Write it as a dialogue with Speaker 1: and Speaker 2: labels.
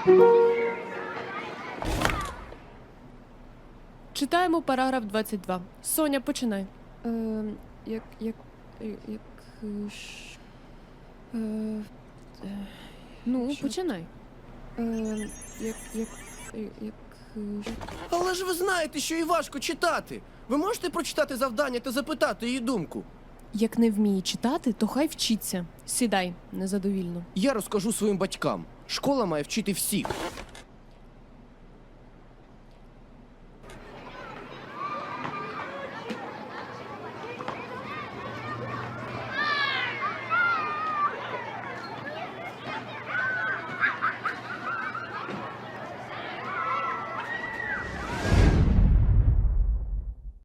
Speaker 1: Читаємо параграф 22. Соня, починай. Ну, починай.
Speaker 2: Але ж ви знаєте, що їй важко читати. Ви можете прочитати завдання та запитати її думку?
Speaker 1: Як не вміє читати, то хай вчиться. Сідай, незадовільно.
Speaker 2: Я розкажу своїм батькам. Школа має вчити всіх.